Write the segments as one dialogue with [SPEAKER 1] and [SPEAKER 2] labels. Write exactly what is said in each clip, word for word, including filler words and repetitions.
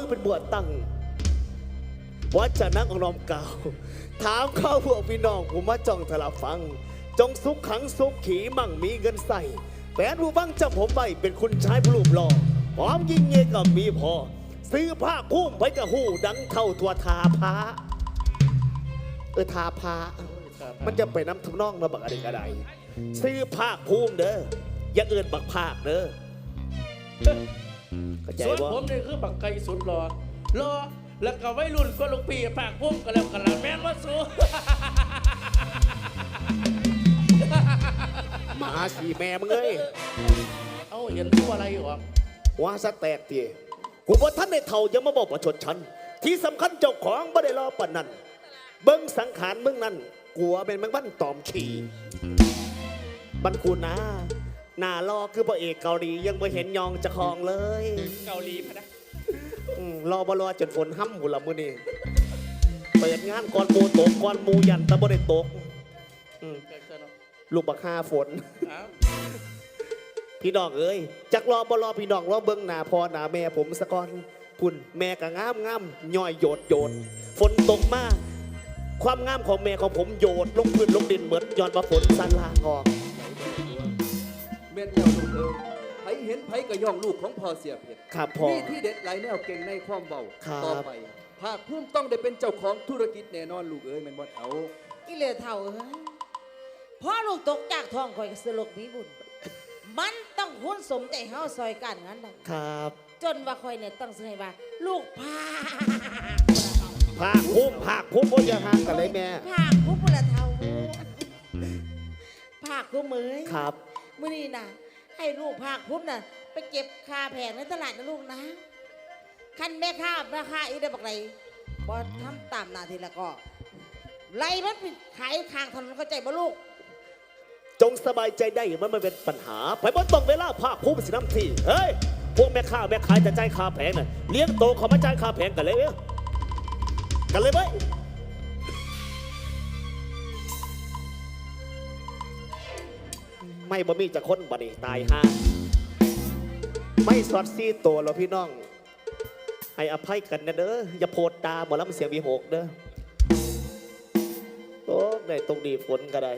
[SPEAKER 1] เป็นบวชตั้งวัดจะนั่งองนอมเก่าถามข้าวพวกพี่น้องผมมาจ้องทละฟังจงสุขขังสุขขีมั่งมีเงินใส่แฟนผู้บังจำผมไว้เป็นคุณชายผู้รูปหล่อพร้อมยิงเงยกับมีพอซื้อผ้าคุ้มไว้กับหูดังเท่าตัวทาพาเออทาพามันจะไปน้ำทุกน้องเราบักอะไรก็ได้ซื้อผ้าคุ้มเด้ออย่าเอินบักภาคเด้อ
[SPEAKER 2] ส่วนผมนี่คือบักไก่สุดรอรอแล้วก็ไว้รุ่นก็ลูกปีปากพุ่มกันแล้วกันละแม่นว่าสู้
[SPEAKER 1] หมาสีแม่มึงเอ้ย
[SPEAKER 2] เอาเห็นตัวอะไรหรอ
[SPEAKER 1] ว่าสแตกตีกูบอกท่านในเท่ายังมาบอกประชดฉันที่สำคัญเจ้าของไม่ได้รอปนนั้นเบิ้งสังขารมึงนั่นกลัวเป็นมึงบ้านตอมขี่บันกูนะหน้ารอคือพระเอกเกาหลียังไม่เห็นยองจะคลองเลย
[SPEAKER 2] เกาหลีพะนะ
[SPEAKER 1] รอบรอจนฝนห้ำหุ่นละมือนี่เปิดงานก่อนมูตกก่อนมูยันตะบ่ได้ตกลูกบักห้าฝนพี่น้องเอ้ยจักรอบรอพี่น้องรอเบิ้งหน้าพ่อหน้าแม่ผมสะก่อนพุ่นแม่ก็งามงามย่อยโยดโยดฝนตกมากความงามของแม่ของผมโยดลงพื้นลงดินเหมือนย้อนมาฝนสันลาออก
[SPEAKER 3] เม็ดเดียวลูกเอ๋ยไผเห็นไผก็ย่องลูกของพ่อเสียเพียร
[SPEAKER 1] ครับพ่อ
[SPEAKER 3] นี่ที่เด็ดหลายแนวเก่งในความเบาต่อไปภาคภูมิต้องได้เป็นเจ้าของธุรกิจแน่นอนลูกเอ๋ยแม่นบ่เอา
[SPEAKER 4] อีเหลือเท่าเอ้ยพ่อลูกตกจากท้องคอยสลกมีบุญมันต้องหุ้นสมใจเฮาซอยกันงั้นได้
[SPEAKER 1] ครับ
[SPEAKER 4] จนว่าคอยเนี่ยต้องเสนอว่าลูกพา
[SPEAKER 1] ภาคภูมิภาคภูมิบ่จะห่างกันเลยแม่
[SPEAKER 4] ภาคภูมิบุญเท่าภาคภูมิเอ้ย
[SPEAKER 1] ครับ
[SPEAKER 4] มื้อนี้น่ะให้ลูกภาคภูมิน่ะไปเก็บคาแผงในตลาดนะลูกนะคันแม่ค้าราคาอีได้บักไรบ่ทำตามหน้าที่แล้วก็ไล่รถไปขายข้างถนนเข้าใจบ่ลูก
[SPEAKER 1] จงสบายใจได้มันไม่เป็นปัญหาไปบนตรงเวลาภาคภูมิสิน้ำที่เฮ้ยพวกแม่ค้าแม่ขายจะจ่ายค่าแผงน่ะเลี้ยงโตเขามาจ่ายค่าแผงกันเลยเว้ยกันเลยไหมไม่บ่มีจะค้นบ่นี่ตายฮะไม่สอดซีตัวเราพี่น้องให้อภัยกันนะเด้ออย่าโพดตาหมอลำเสียงวีหกเด้อโอ้ในตรงดีฝนก็ได้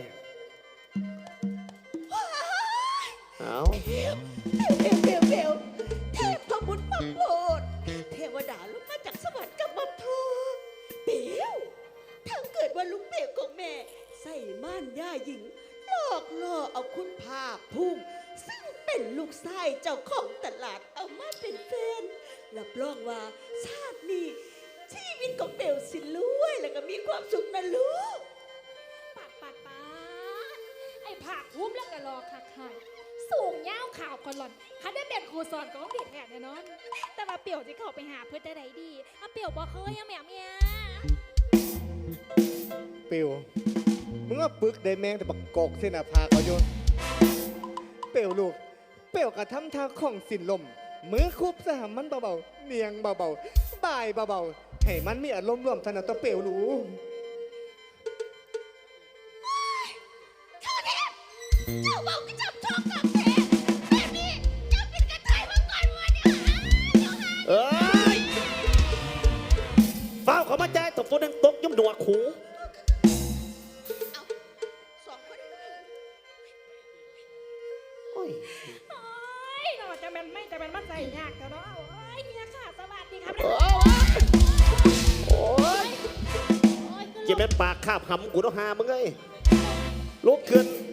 [SPEAKER 1] เอา
[SPEAKER 4] เบลเบลเบลเบลเทพบุตรมาโปรดเทวดาลงมาจากสวรรค์กับมาพอเบลถ้าเกิดว่าลูกเบลของแม่ใส่ม่านย่าหญิงหลอกล่อเอาคุณภาคภูมิซึ่งเป็นลูกชายเจ้าของตลาดเอามาเป็นแฟนรับรองว่าชาตินี้ชีวิตของเบลสิรวยแล้วก็มีความสุขนะลูก
[SPEAKER 5] ปัดปัดปัดไอ้ภาคภูมิแล้วก็รอคักคักสูงยาวข่าวก่อนหล่อนคันได้เป็นครูสอนของเด็กแน่แน่นอนแต่มาเปี่ยวจะเข้าไปหาเพื่อจะได้ดีมาเปี่ยวบอกเคยยังแม่เมีย
[SPEAKER 6] เปี่ยวมึงว่าปึกได้แมงแต่บักกอกเส้นอาภาเขาโยนเปี่ยวลูกเปี่ยวกระทำท่าของสินลมมือคุบสหมันเบาๆเนียงเบาๆบ่ายเบาๆให้มันมีอารมณ์ร่วมถนัดตัวเปี่ยวลูก
[SPEAKER 4] เจ้าเทพเจ้าเบาก็จับท้องกับแท้แบบนี้เจ้าเป็นกระเทยมาก่อนวันนี้
[SPEAKER 1] เอ้ยเฝ้าเขามาใจตกฝนดังตกยุ่มหนวกหู
[SPEAKER 4] สองคน
[SPEAKER 5] โอ้ยโอ้ยเราจะเป็นไม่จะเป็นมันใส่ยากแต่เนาะโอ้ยเมียค่ะสวัสดีครับ
[SPEAKER 1] โอ้ยเจ็บแม่ปากคาบหำกูต้องหามึงไงลุกขึ้น